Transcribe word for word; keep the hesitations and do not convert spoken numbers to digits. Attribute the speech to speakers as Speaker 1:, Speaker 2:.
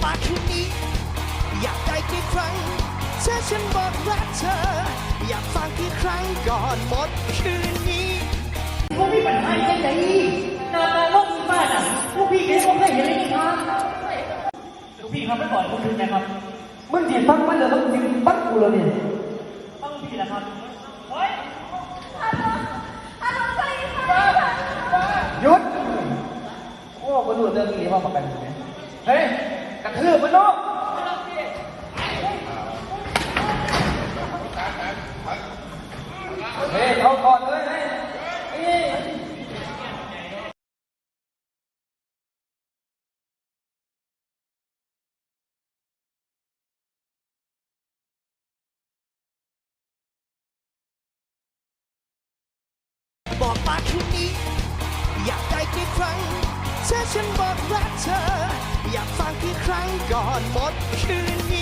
Speaker 1: มาคืนนี้อยากได้กี่ครั้งเธอฉันบอกรักเธออยากฟังกี่ครั้งก่อนหมดคืนนี้พวกพี่ปัญหาอย่างไรนานาโลกมีบ้านอ่ะพวกพี่แค่พวกให้เห็นเลยครับพวกพี่ทำไม่ก่อนพวกพี่นะครับมึงจีบฟังมันเลยมึงจีบฟังกูเลยเนี่ยฟังพี่นะครับเฮ้ยหยุดโอ้มาดูเรื่องนี้ว่าประกันไหมเฮ้ยกระทืบมันเนาะเฮ้ยเอาก่อนเลยเฮ้ยบอกมาคืนนี้อยากได้กี่ครั้งเธอฉันบอกรักเธออยากฟังกี่ครั้งก่อนหมดคืนนี้